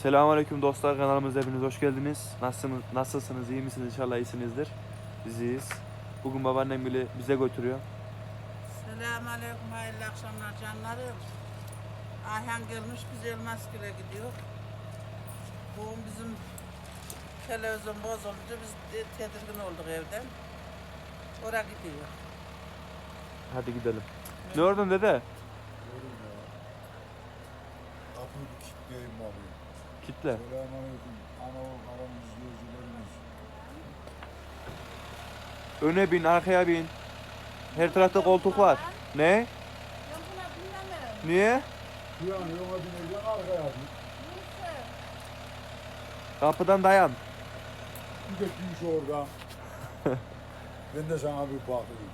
Selamünaleyküm dostlar, kanalımıza hepiniz hoş geldiniz. Nasılsınız, iyi misiniz? İnşallah iyisinizdir. Biz iyiyiz. Bugün babaannem bile bize götürüyor. Selamünaleyküm, hayırlı akşamlar canlarım. Ayhan gelmiş, biz Elmaskül'e gidiyor. Bugün bizim televizyon bozuldu, biz tedirgin olduk evden. Oraya gidiyor. Hadi gidelim. Ne oradan dede? Kapıyı bir kilitleyeyim abi. Kitle. Selamünaleyküm. Ana karan izleyicilerimiz. Öne bin, arkaya bin. Her tarafta koltuk var. Ne? Ben buna dinlemem. Niye? Şu an yola bineceğim arkaya bir. Neyse. Kapıdan dayan. Bir de düş oradan. Ben de sana bir bakayım.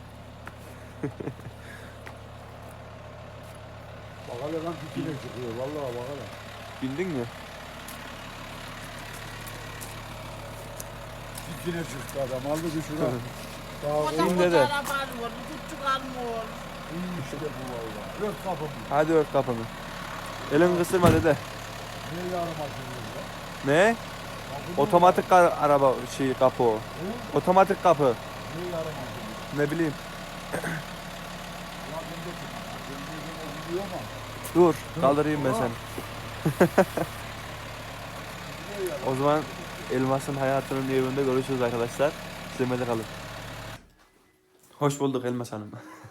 Bak hele lan dikine çıkıyor. Vallahi bak hele. Bildin mi? Dikine çıktı adam. Aldı bir şuna. Daha O da İn koca dede. araba alıyor, küçük almıyor. iyi işte bu valla. Ört kapımı. Hadi ört kapını. Elini kısırma dede. Ne yarım açılıyor ya? Ne? Kapı Otomatik araba kapı o. He? Otomatik kapı. Ne yarım açılıyor? Ne bileyim. Ulan ben de çıkıyor. Ben de gidiyor ama. Dur, kaldırayım ben seni. O zaman Elmas'ın hayatının evinde görüşürüz arkadaşlar. İzlemede kalın. Hoş bulduk Elmas Hanım.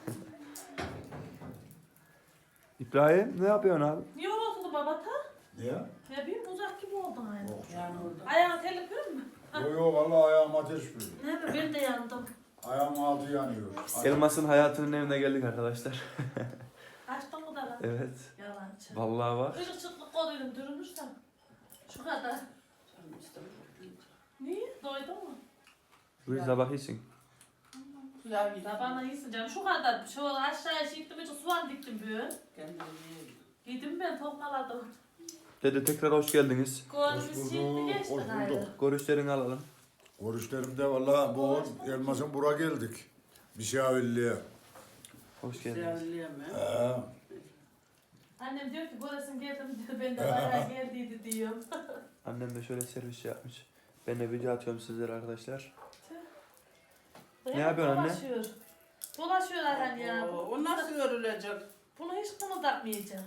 İbrahim ne yapıyorsun abi? Niye oldu babata? Niye? Ne bileyim uzak gibi oldum aynı. Yani orada. Ayağın terlik görür mü? Yo yo vallahi ayağım ateş veriyor. Ne mi? Ben de yandım. Ayağım altı yanıyor. Elmas'ın hayatının evine geldik arkadaşlar. Açtın mı da lan? Evet. Yalancı. Vallahi var. Işık çıklık koduydum durmursam. Şu kadar. Niye? Doydun mu? Buyur sabah iyisin. Güzel bir Tabağına iyisin canım. Şu kadar. Şu aşağıya çıktım. Hiç soğan diktim böyle. Giydim ben tokmaladım. Dede tekrar hoş geldiniz. Golümüz şimdi geçti hoş gayrı. bulduk. Görüşlerini alalım. Görüşlerimde vallahi bu Elmas'ın bura geldik. Bir şey evvelliğe. Hoş geldiniz. Annem diyor ki göresin geldim diyor. Ben de bayağı geldiydi diyor. Annem de şöyle servis yapmış. Ben de video atıyorum sizlere arkadaşlar. Ne yapıyorsun anne? Dolaşıyor. Dolaşıyor Ayhan ya. O nasıl örülecek? Bunu hiç kımıldatmayacağım.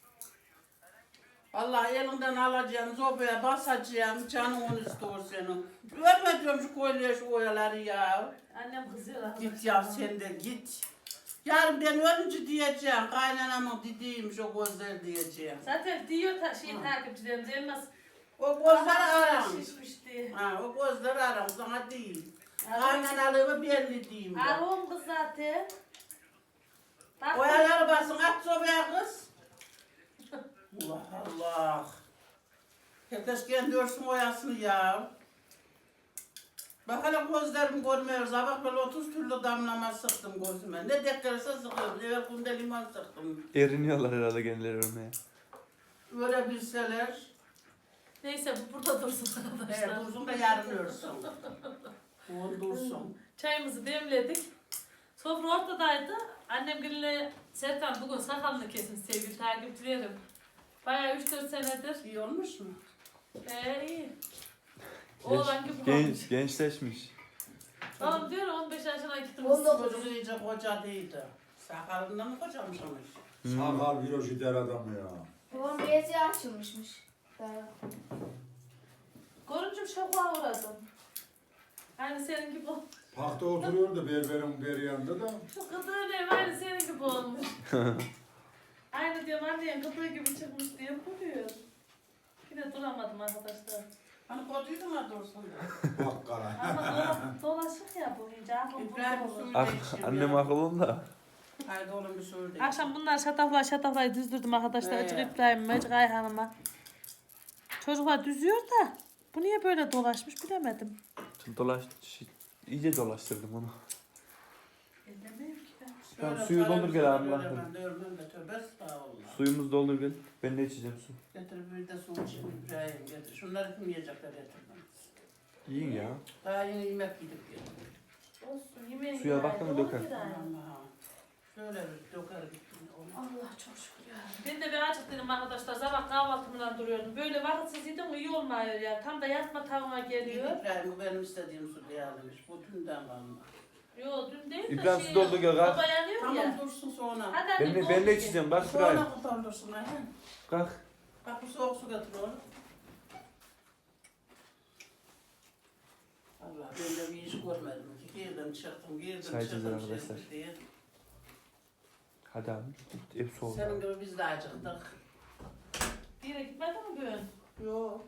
Allah elinden alacağım, zobaya basacağım, canımın istiyor senin. Örme diyorum şu koyuluyor şu oyaları ya. Annem kızıyor arkadaşlar. Git ya sen de git. Yarın ben ölünce diyeceğim, kaynanamın dediğiymiş o gözler diyeceğim. Zaten diyor takipçilerimiz elmas. O gözleri aram. Şişmiş diye. Ha, o gözleri aram, sana değil. Kaynanalığımı belli diyeyim ben. Arım kız zaten. Bak, Oyaları basın, at sobaya kız. Allah Allah. Herkes kendi örsün oyasını ya. Bak hele gözlerimi görmüyoruz. Bak böyle 30 türlü damlama sıktım gözüme. Ne deklerse sıkıyorum. Evvel kumda limon sıktım. Eriniyorlar herhalde kendileri örmeye. Böyle bilseler. Neyse bu burada dursun arkadaşlar. Dursun da yarın örsün. O dursun. Çayımızı demledik. Sofra ortadaydı. Annem gülüyle Serkan bugün sakalını kesin sevgili takipçilerim. Bayağı 3-4 senedir. İyi olmuş mu? İyi. Oğlan gibi olmuş. Gençleşmiş. Oğlum diyor 15 yaşına gittim. Çocuk iyice koca değildi. Sakalından mı kocamış olmuş? Sakal virüsü der adamı ya. Babam bezi açılmışmış. Görünce şoka uğradım. Aynı senin gibi olmuş. Parkta oturuyordu berberin beri yanında da. Şu kıtığı ne aynı senin gibi olmuş. Aynı diyorum annenin kıtığı gibi çıkmış diye duruyor. Yine duramadım arkadaşlar. Hani koduydun mu dursun? Bak kara. Ama dolaşık ya bu iyice aklım İbrahim kurdu olur. suyu değişim Annem ya. akıllı da. Haydi oğlum bir suyu değişim. Akşam bunlar şataflayı düzdürdüm arkadaşlar. Acık İbrahim'ime, acık Ayhan'ıma. Çocuklar düzüyor da bu niye böyle dolaşmış bilemedim. İyice dolaştırdım onu. Bilmiyorum ki ben. Tamam, Şöyle suyu sarı doldur gel sarı abi, böyle bak. ben de örmem de tövbe estağfurullah. Suyumuzu doldur gel. Ben de içeceğim su. Getir bir de su için İbrahim getir. Şunları kim yiyecekler getirmem. Yiyin ya. Daha yeni yemek gidip getir. Olsun yemeği Suya baktın mı döker. Ama şöyle bir döker git. Allah çok şükür ya. Ben de bir acıktım arkadaşlar. Sabah kahvaltımdan duruyordum. Böyle vakitsiz yedim iyi olmuyor ya. Tam da yatma tavına geliyor. İbrahim bu benim istediğim su diyebilmiş. Bu dünden kalma. Yo dün değil de İbrahim su doldu gel kalk. Baba yanıyor Tamam ya. dursun sonra. Hadi anne. Ben de içeceğim bak İbrahim. Sonra kurtarırsın ha. Kalk. Bak bu soğuk su getir oğlum. Allah ben de bir iş görmedim ki. Girdim çıktım, girdim Çay çıktım. içeceğiz arkadaşlar. şey diye. Hadi abi. Hep soğuk. Senin gibi biz de acıktık. Bir yere gitmedin mi bugün? Yok.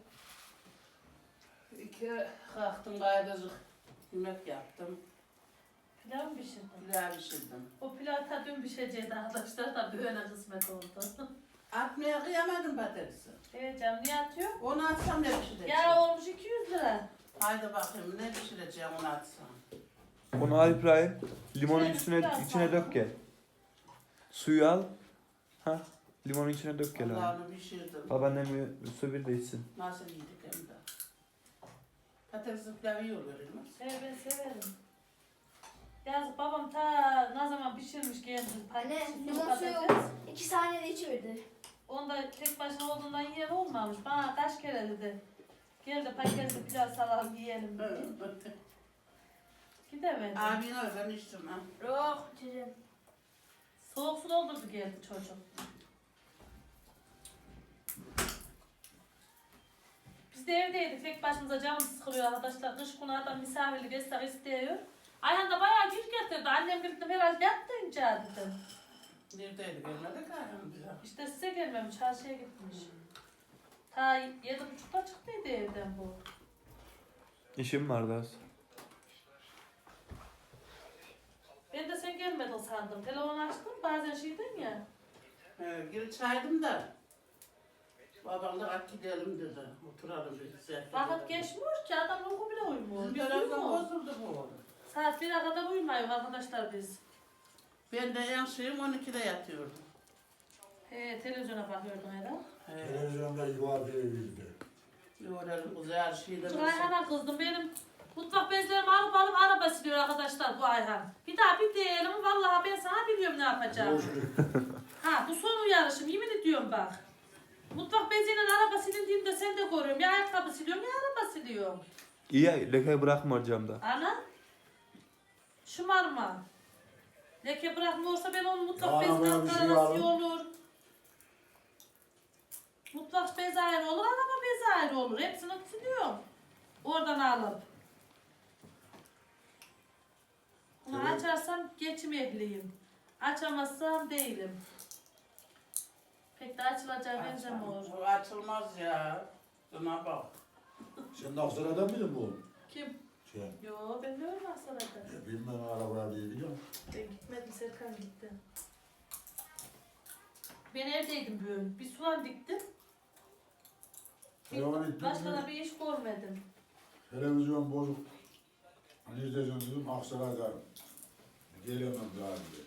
İki kalktım gayrıcık. Yemek yaptım. Pilav mı pişirdin? Pilav pişirdim. O pilav ta dün pişeceğiydi arkadaşlar da böyle kısmet oldu. Atmaya kıyamadım patatesi. Evet canım niye atıyor? Onu atsam ne pişireceğim? Ya olmuş 200 lira. Haydi bakayım ne pişireceğim onu atsam. Onu al İbrahim. Limonun Şöyle içine biraz içine dök gel. Suyu al. Ha. Limonun içine dök gel abi. Allah'ını pişirdim. Babaannem su bir de içsin. Nasıl yedik hem de. Patatesin pilavı iyi oluyor değil mi? Evet ben severim. Yazık babam ta ne zaman pişirmiş geldi. Anne Patates, limon suyu patates. 2 saniyede içiverdi. Onda tek başına olduğundan yiyen olmamış. Bana kaç kere dedi. Gel de paketli pilav salalım yiyelim diye. Gidemedim. Abin öyle ben içtim ha. Yok içeceğim. Soğuk su doldurdu geldi çocuk. Biz de evdeydik. Tek başımıza canımız sıkılıyor arkadaşlar. Kış günü adam misafirlik etsek istiyor. Ayhan da bayağı gir getirdi. Annem birlikte herhalde yattınca dedim. Neredeydi gelmedik ha hem bize. İşte size gelmemiş. Çarşıya gitmiş. Ta 7.30'da çıktıydı evden bu. İşim vardı az. Ben de sen gelmedin sandım. Telefonu açtım. Bazen şeyden ya. Geri çaydım da. Babam da kalk gidelim dedi. Oturalım bir güzel. Vakit geçmiyor ki adam uyku bile uyumuyor. Bizim Biz birazdan uyumuyoruz. bozuldu bu. Saat 1'e kadar uyumuyoruz arkadaşlar biz. Ben de en şeyim 12'de yatıyordum. Televizyona bakıyordum herhalde. Televizyonda ifade edildi. Yoğuralım güzel şeyler. Bu Ayhan'a kızdım. Benim mutfak bezlerimi alıp araba siliyor arkadaşlar bu Ayhan. Bir daha bir diyelim. Vallahi ben sana biliyorum ne yapacağım. Ha bu son uyarışım. Yemin ediyorum bak. Mutfak beziyle araba silindiğinde sen de görüyorum. Ya ayakkabı siliyorum ya araba siliyorum. İyi ya leke bırakma camda. Ana. Şımarma. Leke bırakmıyorsa ben onun mutfak Ya, bezinin ben bir şey arası aldım. olur. Mutfak bezi ayrı olur, araba bezi ayrı olur. Hepsini siliyorum. Oradan alıp. Bunu Evet. açarsam geçim ehliyim. Açamazsam değilim. Pek de açılacağı benzemiyor. Bu açılmaz ya. Şuna bak. Sen de Aksaray'dan mıydın bu? Kim? Sen. Yo ben de öyle Aksaray'da. Ya bilmem arabaya değil ya. Ben gitmedim, Serkan gitti. Ben evdeydim böyle. Bir soğan diktim. Soğan diktin Başka mi? da bir iş görmedim. Televizyon bozuk. Hani izleyeceğim dedim Aksaray'da. Gelemem daha önce.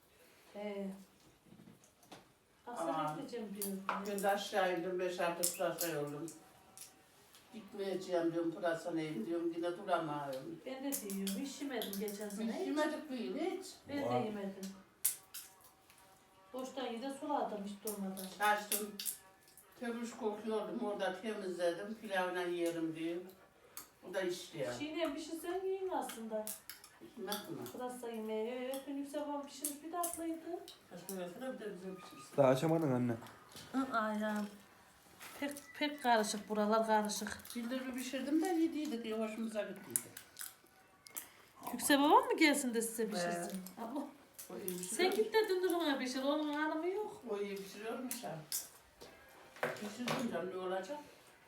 Aksaray'a Aa. gideceğim diyorum. Ben de aşağı indim 5-6 pırasa yoldum. Gitmeyeceğim diyorum pırasa neyim diyorum yine duramıyorum. Ben de diyorum. Hiç yemedim geçen Biz sene. Hiç. yemedik bir yıl hiç. Ben de Var. yemedim. Boştan yine suladım hiç durmadan. Açtım. Kömüş kokuyordum orada temizledim pilavla yerim diye. O da işte ya. Çiğneyen pişirsen yiyin aslında. Nasıl mı? Pırasa yemeği. Evet, ben yüksek babam pişirmiş bir tatlıydı. Kaçma versene bir de bize pişirsin. Daha açamadın anne. Aynen. Pek karışık buralar karışık. Bildirimi pişirdim de yediydik ya hoşumuza gittiydi. Yüksek babam mı gelsin de size pişirsin? Abla. O iyi Sen pişiriyor. git de dındırına pişir. Onun hanımı yok. O iyi pişiriyormuş ha. Pişirdim canım ne olacak?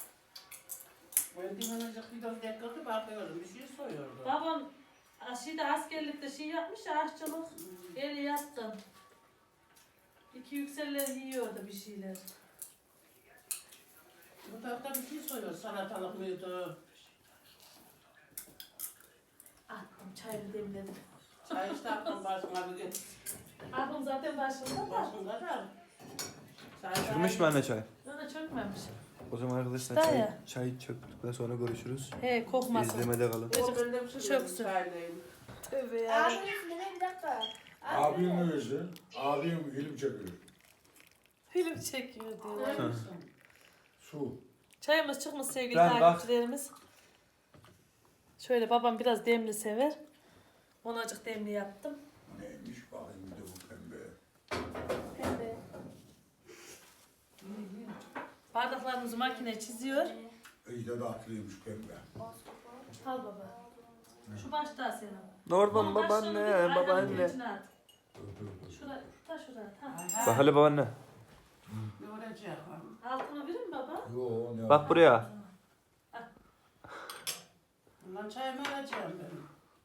Ben dinlenecek bir dakika bakıyorum bir şey soruyordu. Babam şeyde askerlikte şey yapmış ya aşçılık. Eli yattım. İki yükseller yiyordu bir şeyler. Bu tarafta bir şey soruyor salatalık mıydı? Attım çayını demledim. Çay işte aklım başıma bir git. Aklım zaten başında da. Başımda da. Çay Çıkmış mı anne çay? Bana çökmemiş. O zaman arkadaşlar Daha çay, ya. çay çöktükten sonra görüşürüz. He kokmasın. İzlemede kalın. O bende bir şey Çöksün. çaydayım. Tövbe ya. Ağzının üstünde ne bir dakika. Abim öylesin. Abim film çekiyor. Film çekiyor diyor. Öyle misin? Su. Çayımız çıkmış sevgili Ben bak. takipçilerimiz. Şöyle babam biraz demli sever. Ona azıcık demli yaptım. Neymiş bakayım bir de bu pembe. Pembe. Bardaklarımızı makine çiziyor. İyi de tatlıymış pembe. Al baba. Şu başta senin. Oradan Onun başlığını bir babaanne, ayranın babaanne. içine at. Şuraya, ta şuraya. Ta. Bak hele babaanne. Ne olacak? Altını verir mi baba? Yo ne Bak buraya. Bundan çayımı alacağım ben.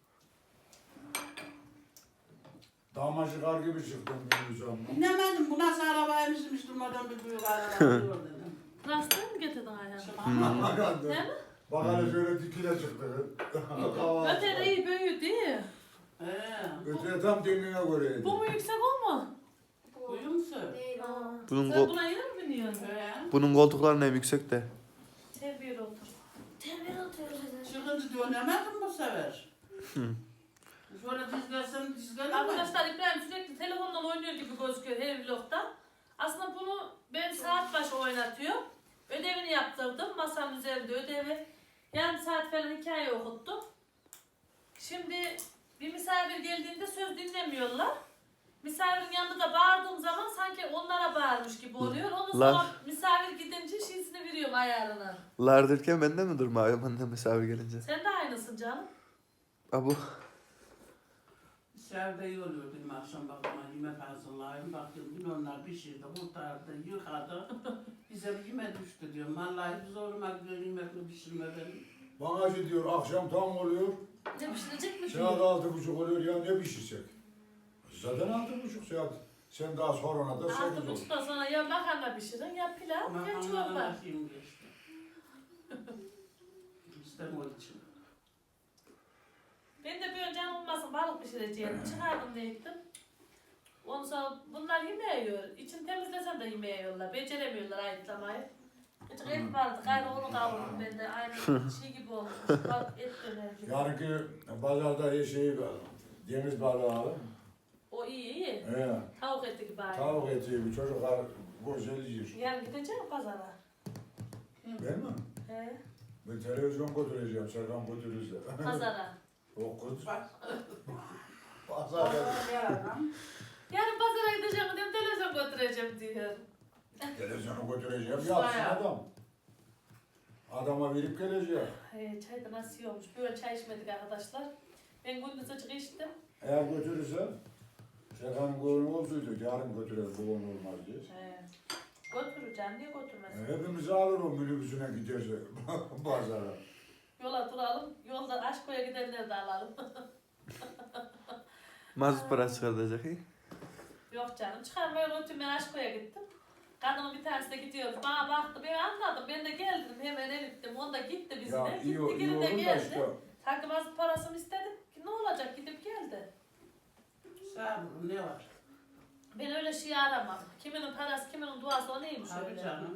Damacıkar gibi çıktım bir zaman. İnemedim. Bu nasıl arabaymış hiç durmadan bir büyük araba diyor dedim. Rastlayı mı getirdin ayağını? Şimdi Değil mi? Bak hele şöyle dikile çıktı. Ötede iyi büyüyor değil mi? Öteye tam kendine göreydi. Bu mu yüksek o mu? Uyuyor musun? Değil o. Aa. Bunun, Sen buna yine mi biniyorsun? bunun koltukları hem yüksek de. Terbiye otur. Temel oturuyoruz zaten. Çıkınca dönemedim bu sefer. Şöyle dizlersen dizgelemem. Arkadaşlar İbrahim sürekli telefonla oynuyor gibi gözüküyor her vlogda. Aslında bunu ben saat başı oynatıyorum. Ödevini yaptırdım. Masanın üzerinde ödevi. Yarım saat falan hikaye okuttum. Şimdi bir misafir geldiğinde söz dinlemiyorlar. Misafirin yanında da bağırdığım zaman sanki onlara bağırmış gibi oluyor. Ondan sonra Lan. misafir gidince şiisini veriyorum ayarına. Lar derken ben de mi durmuyorum annem misafir gelince? Sen de aynısın canım. Abu. Dışarıda iyi oluyor benim akşam bakıma yemek hazırlayayım. Baktım onlar pişirdi, kurtardı, yıkadı. Bize bir yemek düştü diyorum. Vallahi zoruma gidiyor yemekle pişirme benim. Bana şey diyor akşam tam oluyor. Ne pişirecek mi? Saat 6.30 oluyor ya ne pişirsek? Zaten 6.30 saat. Sen daha sonra da 8 Altı olur. buçuktan sonra ya makarna pişirin ya pilav ya çorba. bakayım geçti. İstem o için. Ben de bir önce olmasın balık pişireceğim. Çıkardım diye gittim. Ondan sonra bunlar yemeği yiyor. İçini temizlesem de yemeği yiyorlar. Beceremiyorlar ayıtlamayı. Hiç et vardı. Gayrı onu kavurdum ben de. Aynı şey gibi olmuş. Et döner gibi. Yarınki pazarda şey deniz balığı alın. O iyi iyi. He. Tavuk eti gibi aynı. Tavuk eti bir çocuklar güzel yiyor. Yarın gideceğim pazara. Ben mi? He. Ben televizyon götüreceğim, Serkan götürürse. Pazara. O kız. Bak. Pazar Yarın pazara gideceğim diyorum televizyon götüreceğim diyor. televizyonu götüreceğim, yapsın Bayağı. adam. Adama verip gelecek. Çay da nasıl iyi olmuş. Böyle çay içmedik arkadaşlar. Ben gündüz açık içtim. Eğer götürürse, Serkan'ın gönlü olsaydı, yarın götürür, bu konu olmaz diye. Götüreceğim diye götürmesin. Hepimizi alır o minibüsüne giderse pazara. Yola duralım. Yolda Aşko'ya gidenleri de alalım. Mazot parası çıkartacak iyi. Yok canım. Çıkarmaya götürdüm. Ben Aşko'ya gittim. Kadının bir tanesi de gidiyoruz. Bana baktı. Ben anladım. Ben de geldim. Hemen gittim. O da gitti bizimle. Ya iyi, Gitti iyi geri de olur da geldi. işte. Sanki mazot parasını istedim. Ki ne olacak? Gidip geldi. Sağ olun ne var? Ben öyle şey aramam. Kiminin parası, kiminin duası o neymiş Abi öyle. canım.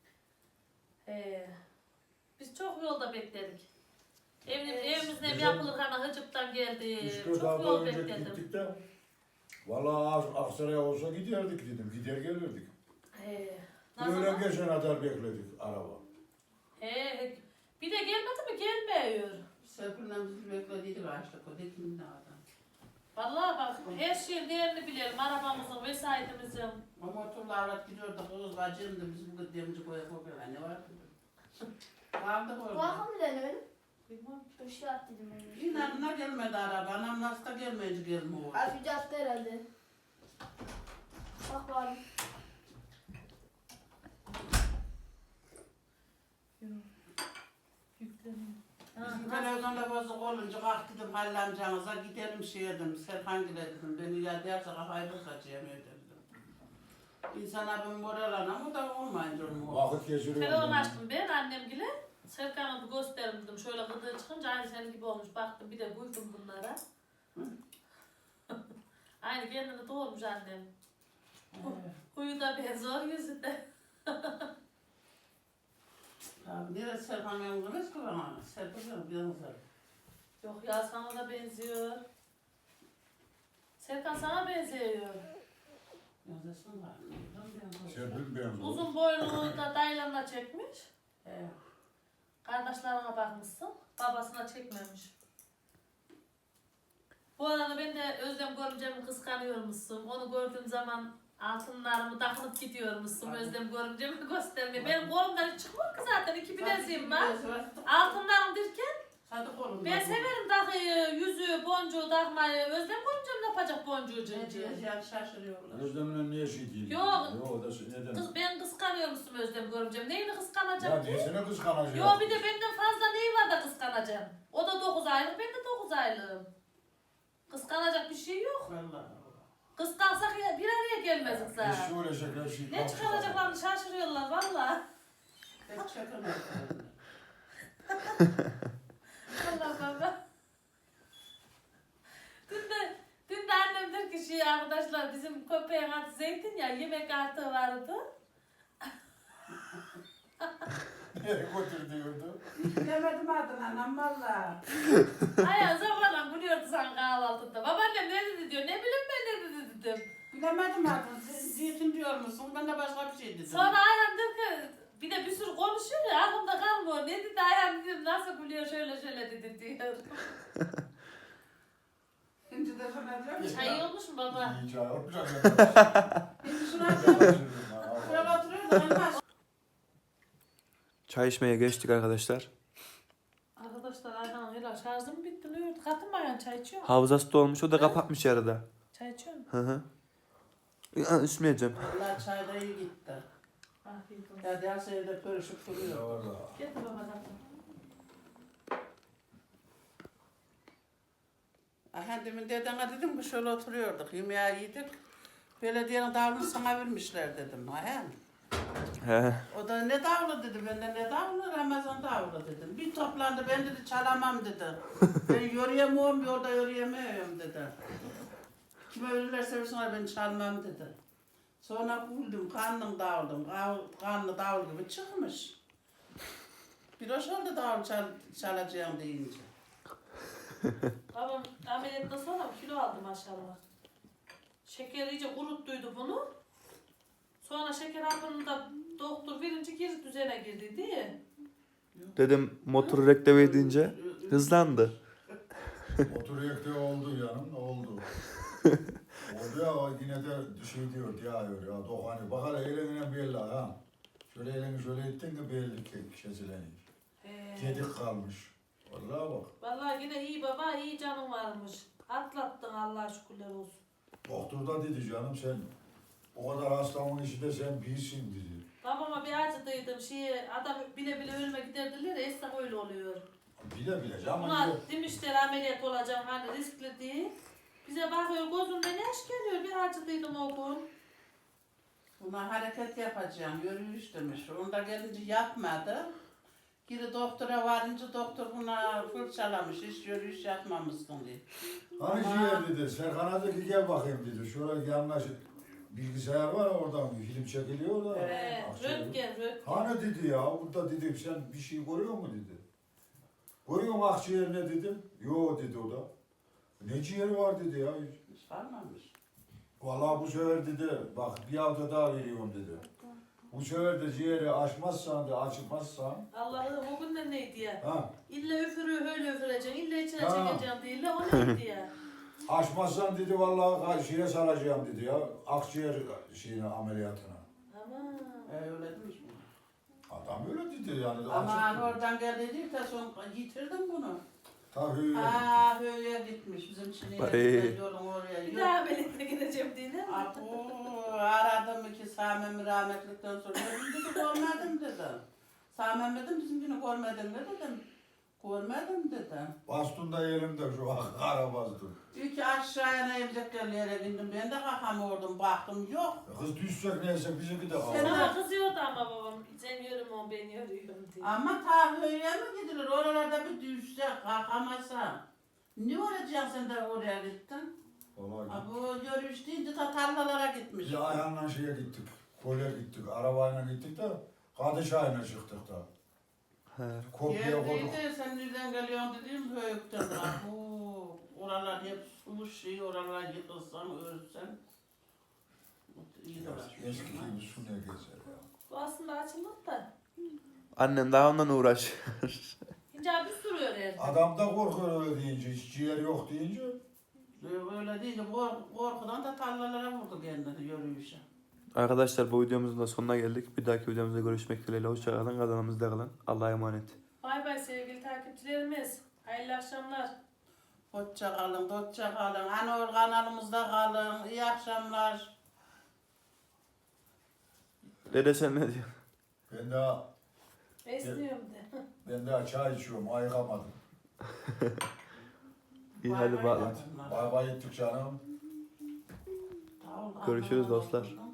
Biz çok yolda bekledik. Evimizin ev Bizim- yapılırken Hıcıp'tan geldi. 3-4 Çok hafta yol önce bekledim. gittik de valla Aksaray'a olsa giderdik dedim. Gider gelirdik. Öğlen Nasıl? geçen kadar bekledik araba. Bir de gelmedi mi gelmiyor. Serpil'le bizi beklediydik açlık o dedim ne adam. Vallahi bak her şeyin değerini bilelim. Arabamızın, vesayetimizin. O motorla avrat gidiyordu kız bacım da biz bu demci koya koyuyorlar ne var dedim. Kaldık orada. Bakın bir tane benim. Bilmem. Bir şey attıydım ben. İnanına gelmedi araba. Anam nasıl da gelmeyince gelmiyor. Harbici attı herhalde. Bak bari. Yükleniyor. Bizim televizyonda bozuk olunca kalk dedim Halil amcanıza gidelim şey dedim. Serkan gile dedim. Beni ya derse kafayı bozacağım dedim. İnsan abim moralan ama da olmayınca olmuyor. Vakit geçiriyor. Telefon açtım ben annemgile. Serkan'a bir gösterim dedim. Şöyle gıdığı çıkınca aynı senin gibi olmuş. Baktım bir de buydum bunlara. Aynı kendini doğurmuş annem. Huyu da benziyor yüzü de. Abi neresi Serkan yalnız ki bana? Serkan bir yalnız. Yok ya sana da benziyor. Serkan sana benziyor. Yazısın var. Serpil benziyor. Uzun boylu da dayılarına çekmiş. Evet. Kardeşlerine bakmışsın. Babasına çekmemiş. Bu arada ben de Özlem görümcemi kıskanıyormuşsun. Onu gördüğüm zaman altınlarımı takılıp gidiyormuşsun. Özlem görümcemi göstermeye. Benim kolumdan hiç çıkmıyor ki zaten. 2 bileziğim var. Altınlarım derken Hadi kolum. ben severim takıyı, yüzüğü, boncuğu takmayı. Özlem görümcem ne yapacak boncuğu Ne cıncı? diyeceğim şaşırıyorlar. Özlem'le niye şey değil? Yok. Yok da neden? Kız ben kıskanıyormuşsun Özlem görümcem. Neyini Ya kıskanacağım ki? nesine kıskanacak? Yo bir de benden fazla neyi var da kıskanacağım? O da 9 aylık, ben de 9 aylığım. Kıskanacak bir şey yok. Vallahi. Kıskansak ya bir araya gelmezdik Biz zaten. şöyle şeker şey. Ne çıkaracaklarını şaşırıyorlar valla. Hep çakılmıyor. Allah baba. Dün de annem der ki şey arkadaşlar bizim köpeğin adı Zeytin ya yemek artığı vardı. Nereye götür diyordu? Bilemedim adını anam valla. Ayağın zamanla gülüyordu sen kahvaltıda. Babaannem ne dedi diyor. Ne bileyim ben ne dedi dedim. Bilemedim adını. Zeytin diyor musun? Ben de başka bir şey dedim. Sonra Ayhan diyor ki bir de bir sürü konuşuyor ya aklımda kalmıyor. Ne dedi Ayhan dedim nasıl gülüyor şöyle dedi diyor. Şimdi de sana diyorum ki. Çay olmuş mu baba? İyi çay olacak. Şimdi şuna diyorum. Şuraya oturuyor da elmas. Çay içmeye geçtik arkadaşlar. Arkadaşlar Ayhan'ın helal şarjı mı bitti? Ne oldu? Katın mı Ayhan çay içiyor mu? Hafızası dolmuş, o da kapatmış yarıda. Çay içiyor mu? Hı hı. Ya, içmeyeceğim. Valla çay da iyi gitti. Afiyet olsun. Ya diğer evde pörüşüp duruyor. Getir baba katın. Aha demin dedene dedim ki şöyle oturuyorduk. Yemeği yedik. Belediyenin davulunu sana vermişler dedim. Aha. He. O da ne davulu dedi. Ben de ne davulu? Ramazan davulu dedim. Bir toplandı ben dedi çalamam dedi. Ben yürüyemiyorum yolda yürüyemiyorum dedi. Kime ölürlerse versinler ben çalmam dedi. Sonra buldum kanlı davulum. Kanlı davul gibi çıkmış. Bir hoş oldu davul çalacağım deyince. Babam ameliyattan sonra kilo aldı maşallah. Şeker iyice kuruttuydu bunu. Sonra şeker hapını da doktor verince geri düzene girdi diye. Dedim motoru rekteve edince hızlandı. Oturuyor diye oldu yanım, oldu. Oldu ya yine de şey diyor, diyor ya dokani. Bak hele eline belli ha. Şöyle elini şöyle ettin de belli ki kesileni. Gedik kalmış. Vallahi bak. Vallahi yine iyi baba, iyi canın varmış. Atlattın Allah'a şükürler olsun. Doktor da dedi canım sen o kadar hastamın içinde sen bilsin dedi. Babama bir acıdıydım adam bile bile ölüme giderdiler ya esnaf öyle oluyor. Bile bile canım. Buna demişler ameliyat olacağım hani riskli diye. Bize bakıyor gözümden yaş geliyor bir acıdıydım o gün. Buna hareket yapacağım, yürüyüş demiş. Onda gelince yapmadı. Geri doktora varınca doktor buna fırçalamış, hiç yürüyüş yapmamışsın diye. Hani ciğer dedi, Serkan'a dedi ki gel bakayım dedi. Şöyle yanına bilgisayar var oradan film çekiliyor da. Röntgen. Hani dedi ya burada dedim sen bir şey görüyor mu dedi. Görüyor mu akciğer ne dedim. Yo dedi o da. Ne ciğeri var dedi ya. Hiç varmamış. Vallahi bu sefer dedi bak bir hafta daha veriyorum dedi. Bu sefer de ciğeri açmazsan da açmazsan. Allah'ım o gün de neydi ya? Ha, İlla öfürüğü öyle öfüreceksin, illa içine Ha. çekeceğim değil de o neydi ya? açmazsan dedi vallahi şeye salacağım dedi ya. Akciğer şeyine ameliyatına. Aman. Öyle demiş mi? Adam öyle dedi yani. Aman oradan geldi de son yitirdim bunu. Tabii. Ha böyle gitmiş bizim Çin'e yolun oraya. Bir daha ameliyata gireceğim diye ne? Abu aradım ki Sami'mi rahmetlikten sonra dedi görmedim dedi. Sami'm dedim bizimkini görmedin mi dedim. Görmedim dedim. Bastunda elimde şu an kara bastun. İyi ki aşağıya ne evceklerlere indim ben de kalkamıyordum baktım yok. Kız düşecek neyse bizimki de Sen- kaldı. Bana kızıyordu ama babam. Sen yürüme ben yürüyorum diye. Ama ta öyle mi gidilir oralarda bir düşse kalkamazsa. Ne olacaksın sen de oraya gittin? Vallahi Ha, bu yürüyüş deyince ta tarlalara gitmiş. biz ayağınla şeye gittik. Kolye gittik. Arabayla gittik de Kadışay'ına çıktık da. He. Kopya koyduk. Geldiydi sen nereden geliyorsun dediğim büyükten. Bu Oralar hep sulu şey, oralar yıkılsan, örsen. İyi dolaşmış. Eski gibi su ne gezer ya. Bu aslında açılmadı da. Annem daha ondan uğraşıyor. İnce abi sürüyor her. Adam da korkuyor öyle deyince, hiç ciğer yok deyince. Öyle değil, korkudan da tarlalara vurdu kendini yürüyüşe. Arkadaşlar bu videomuzun da sonuna geldik. Bir dahaki videomuzda görüşmek dileğiyle. Hoşçakalın. Kanalımızda kalın. Allah'a emanet. Bay bay sevgili takipçilerimiz. Hayırlı akşamlar. Hoşça kalın, hoşça kalın. Anor kanalımızda kalın. İyi akşamlar. Dede sen ne diyorsun? Besliyorum de. Ben daha çay içiyorum, ayıkamadım. İyi hadi bağlan. Bay bay ettik canım. Görüşürüz dostlar.